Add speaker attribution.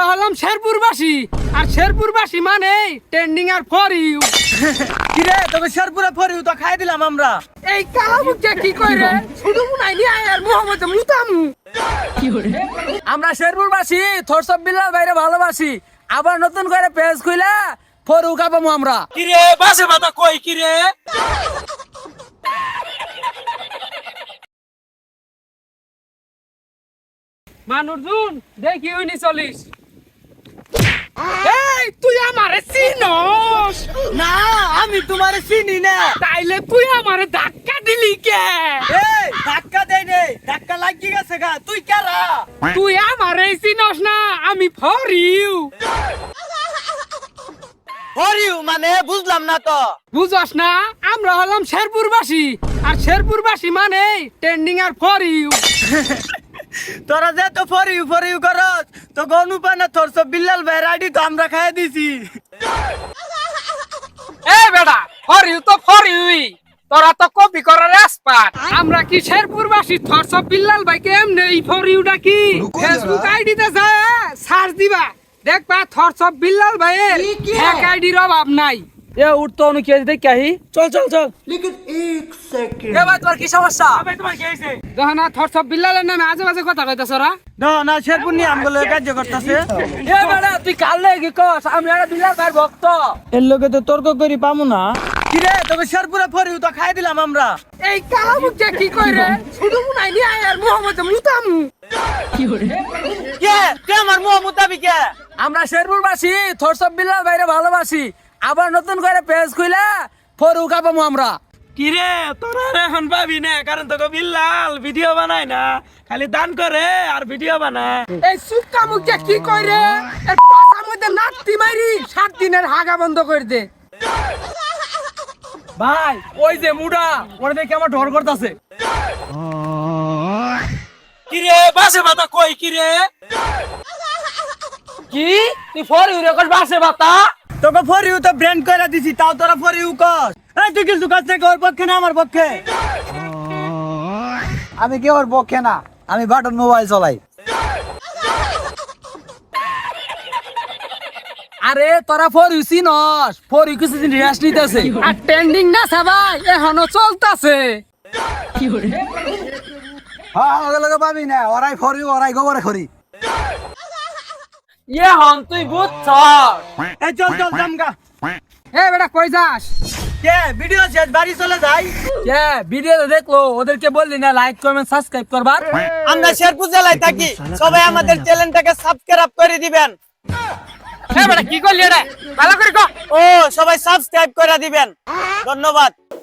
Speaker 1: হলাম শেরপুরবাসী আর শেরপুরবাসী মানে trending R for you.
Speaker 2: কি রে তোকে শেরপুরে ফর ইউ তো খাই দিলাম আমরা।
Speaker 1: এই কালামুখটা কি কইরে শুধু মুনাইনি আর মোহাম্মদ মুতামু।
Speaker 2: আমরা শেরপুরবাসী থরসব বিল্লাল ভাইরে ভালোবাসি, আবার নতুন করে পেজ খুইলা ফর ইউ খাবো আমরা।
Speaker 3: কি রে বাসে বাতা কই কি রে?
Speaker 1: মানুরজুন দেখি উনি চলিস। এই তুই আমারে চিনস
Speaker 2: না আমি তোমারে চিনি না।
Speaker 1: তাইলে তুই আমারে ধাক্কা দিলি কে?
Speaker 2: এই ধাক্কা দেই নে, ধাক্কা লাগি গেছে গা। তুই কারা?
Speaker 1: তুই আমারে চিনস না, আমি ফর ইউ।
Speaker 2: ফর ইউ মানে বুঝলাম না তো।
Speaker 1: বুঝস না, আমরা হলাম শেরপুরবাসী আর শেরপুরবাসী মানে ট্রেন্ডিং আর ফর ইউ।
Speaker 2: তোরা যে তো ফর ইউ করস তো গনুপানা থরসব বিল্লাল ভাইয়ের আইডি তো আমরা খাই দিছি।
Speaker 1: এই বেটা ফর ইউ তো ফর ইউই, তোরা তো কপি করার এক্সপার্ট। আমরা কি শেরপুরবাসী থরসব বিল্লাল ভাইকে এমনি এই ফর ইউটা কি ফেসবুক আইডিতে যায় সার্চ দিবা, দেখবা থরসব বিল্লাল ভাইয়ের হ্যাক আইডির অভাব নাই।
Speaker 2: এ উঠতো অনু কে দেখ কাহি। চল চল চল। এ ভাই তোর কি সমস্যা?
Speaker 3: ভাই তোমার কি হইছে?
Speaker 1: যখন থরসব বিল্লালের নামে আজে বাজে কথা কইতাছ ওরা।
Speaker 2: না না শেরপুর নিয়ে আমগুলো কার্য করতেছে। এ বেটা তুই কাল লাগি কস আমি একটা বিল্লাল ভাইয়ের ভক্ত। এর লগে তো তর্ক করি পামু না। কি রে তোকে শেরপুরে ফর ইউ তো খাই দিলাম আমরা।
Speaker 1: এই কালামুখটা কি কইরে শুধু মুনাইনি আর মোহাম্মদ মুতামু।
Speaker 2: কে কে আমার মুহ মুতাবি কে? আমরা শেরপুরবাসী থরসব বিল্লাল ভাইরে ভালোবাসি, আবার নতুন করে পেজ খুইলা ফর ইউ খাবো আমরা।
Speaker 3: কি রে তোরা আর এখন পাবি না, কারণ তোকে বিল্লাল ভিডিও বানায় না, খালি দান করে আর ভিডিও বানায়।
Speaker 1: এই সুক্কা মুখটা কি কইরে এর পাছার মধ্যে নাতি মারি 7 দিনের হাগা বন্ধ করে দে।
Speaker 2: ভাই ওই যে মুডা ওরে দেখে আমার ডর করতেছে।
Speaker 3: কি রে বাসে বাতা কই কি রে?
Speaker 2: কি তুই ফর ইউ রে কস বাসে বাতা? তোকে ফর ইউ তো ব্র্যান্ড কইরা দিছি, তাও তোরা ফর ইউ কস। এই তুই কিছু কাজ থেকে ওর পক্ষে না আমার পক্ষে?
Speaker 4: আমি কি ওর পক্ষে না, আমি বাটন মোবাইল চালাই।
Speaker 2: আরে তোরা ফর ইউ চিনস? ফর ইউ কিছুদিন রেস্ট নিতেছে।
Speaker 1: আর ট্রেন্ডিং না সবাই এখনো চলতাছে।
Speaker 4: হ্যাঁ আমাকে লগে পাবি না, ওরাই ফরি ওরাই গোবরে খরি।
Speaker 2: ইয়ে হন তুই বুঝছ। এই চল চল জামগা।
Speaker 1: এ বেটা কই যাস?
Speaker 2: কে ভিডিও শেষ বাড়ি চলে যাই। কে ভিডিও দেখলো ওদেরকে বললি না লাইক কমেন্ট সাবস্ক্রাইব করবার। আমরা শেরপুর জেলায় থাকি, সবাই আমাদের চ্যানেলটাকে সাবস্ক্রাইব করে দিবেন।
Speaker 1: এ বেটা কি করলি রে? ভালো করে কর।
Speaker 2: ও সবাই সাবস্ক্রাইব করে দিবেন। ধন্যবাদ।